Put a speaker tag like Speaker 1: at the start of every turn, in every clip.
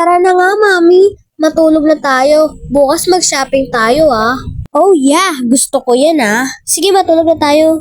Speaker 1: Tara na nga, Mami. Matulog na tayo. Bukas mag-shopping tayo, ah. Oh yeah, gusto ko yan, ah. Sige, matulog na tayo.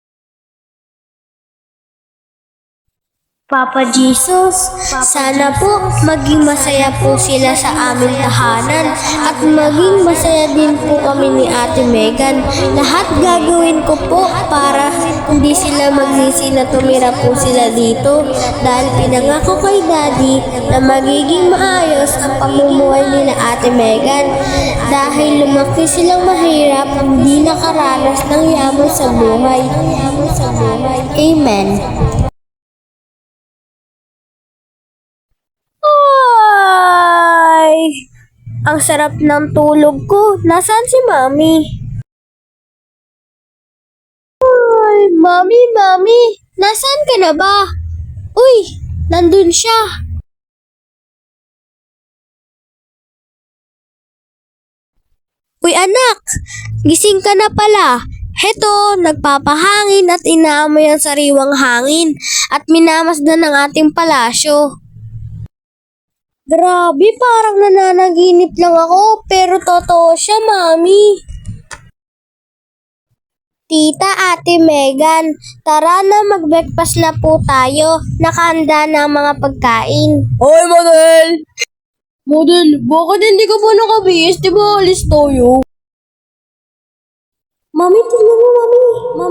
Speaker 1: Papa Jesus, sana po maging masaya po sila sa aming tahanan at maging masaya din po kami ni Ate Megan. Lahat gagawin ko po para hindi sila magsisi na tumira po sila dito dahil pinangako kay Daddy na magiging maayos ang pamumuhay nila Ate Megan dahil lumaki silang mahirap, hindi nakaranas ng yaman sa buhay. Amen. Ay, ang sarap ng tulog ko. Nasaan si Mami? Ay, Mami, nasaan ka na ba? Uy, nandun siya. Uy anak, gising ka na pala. Heto, nagpapahangin at inaamoy ang sariwang hangin at minamasdan ng ating palasyo. Grabe, parang nananaginip lang ako, pero totoo siya, Mami. Tita, Ate Megan, tara na mag-breakfast na po tayo. Nakahanda na ang mga pagkain.
Speaker 2: Hoy, Model! Model, bakit hindi ka pa nakabihis? Di ba alis tayo?
Speaker 1: Mami, tignan mo, Mami.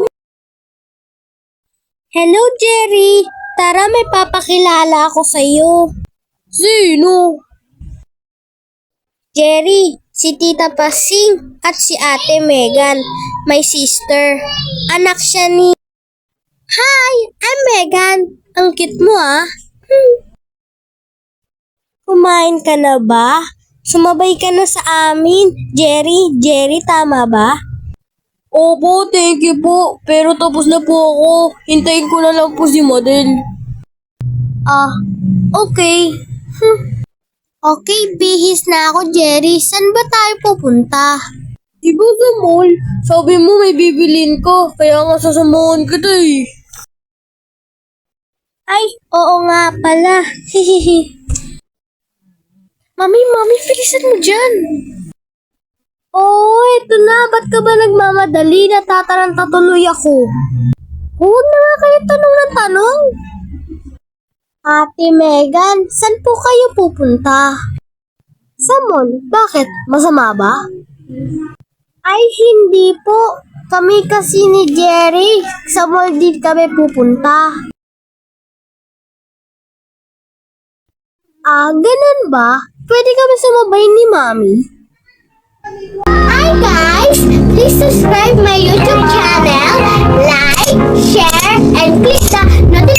Speaker 1: Hello, Jerry. Tara, may papakilala ako sa'yo.
Speaker 2: Sino?
Speaker 1: Jerry, si Tita Pasing at si Ate Megan, my sister. Anak siya ni... Hi, I'm Megan. Ang cute mo, ah. Kumain ka na ba? Sumabay ka na sa amin. Jerry, tama ba?
Speaker 2: Opo, thank you po. Pero tapos na po ako. Hintayin ko na lang po si Model.
Speaker 1: Ah, okay. Okay, bihis na ako, Jerry. Saan ba tayo pupunta?
Speaker 2: Di ba sa mall? Sabi mo may bibilin ka. Kaya nga sasamahan kita eh.
Speaker 1: Ay, oo nga pala. Hihihi. Mami, bilisan mo dyan. Oh, eto na. Ba't ka ba nagmamadali? Natataranta tuloy ako. Huwag na nga kayo tanong ng tanong. Ate Megan, saan po kayo pupunta? Sa mall. Bakit? Masama ba? Ay, hindi po. Kami kasi ni Jerry. Sa mall din kami pupunta. Ah, ganun ba? Pwede kami sumabay ni Mami? Hi guys! Please subscribe my YouTube channel, like, share, and click the notification